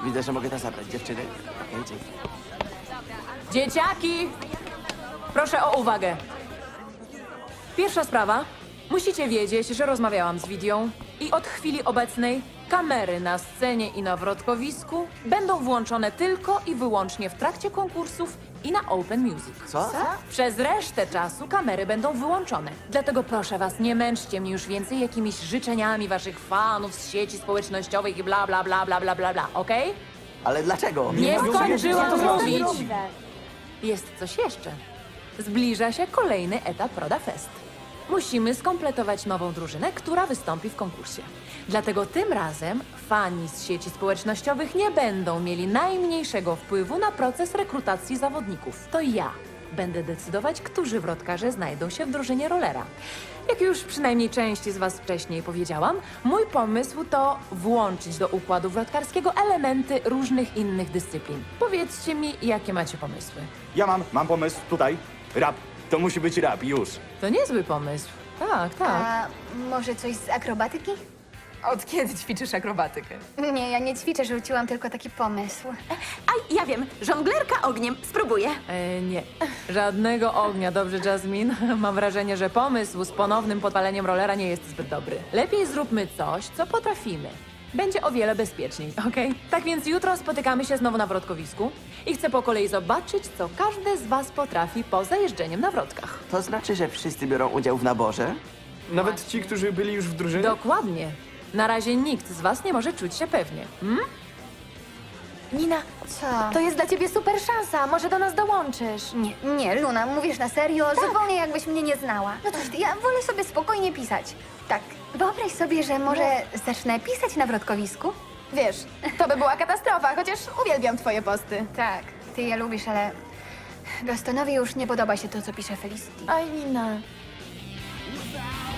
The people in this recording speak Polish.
Widzę, że mogę to zabrać, dziewczyny. Okej, dzięki. Dzieciaki! Proszę o uwagę. Pierwsza sprawa. Musicie wiedzieć, że rozmawiałam z Widią i od chwili obecnej kamery na scenie i na wrotkowisku będą włączone tylko i wyłącznie w trakcie konkursów i na Open Music. Co? Przez resztę czasu kamery będą wyłączone. Dlatego proszę was, nie męczcie mnie już więcej jakimiś życzeniami waszych fanów z sieci społecznościowych i bla bla bla bla bla bla bla, okej? Ale dlaczego? Nie skończyłam mówić. Możliwe. Jest coś jeszcze. Zbliża się kolejny etap Roda Fest. Musimy skompletować nową drużynę, która wystąpi w konkursie. Dlatego tym razem fani z sieci społecznościowych nie będą mieli najmniejszego wpływu na proces rekrutacji zawodników. To ja będę decydować, którzy wrotkarze znajdą się w drużynie rollera. Jak już przynajmniej części z was wcześniej powiedziałam, mój pomysł to włączyć do układu wrotkarskiego elementy różnych innych dyscyplin. Powiedzcie mi, jakie macie pomysły. Ja mam pomysł tutaj. Rap. To musi być rap, już. To niezły pomysł. Tak, tak. A może coś z akrobatyki? Od kiedy ćwiczysz akrobatykę? Nie, ja nie ćwiczę, rzuciłam tylko taki pomysł. A ja wiem, żonglerka ogniem. Spróbuję. Nie. Żadnego ognia, dobrze, Jasmine? Mam wrażenie, że pomysł z ponownym podpaleniem rollera nie jest zbyt dobry. Lepiej zróbmy coś, co potrafimy. Będzie o wiele bezpieczniej, okej? Tak więc jutro spotykamy się znowu na wrotkowisku i chcę po kolei zobaczyć, co każdy z was potrafi poza jeżdżeniem na wrotkach. To znaczy, że wszyscy biorą udział w naborze? Nawet ci, którzy byli już w drużynie? Dokładnie. Na razie nikt z was nie może czuć się pewnie. Nina, Co? to jest dla ciebie super szansa. Może do nas dołączysz. Nie, Luna, mówisz na serio? Zupełnie jakbyś mnie nie znała. No cóż ty, ja wolę sobie spokojnie pisać. Tak, wyobraź sobie, że może zacznę pisać na wrotkowisku? Wiesz, to by była katastrofa, chociaż uwielbiam twoje posty. Tak, ty je lubisz, ale Gastonowi już nie podoba się to, co pisze Felicity. Oj, Nina.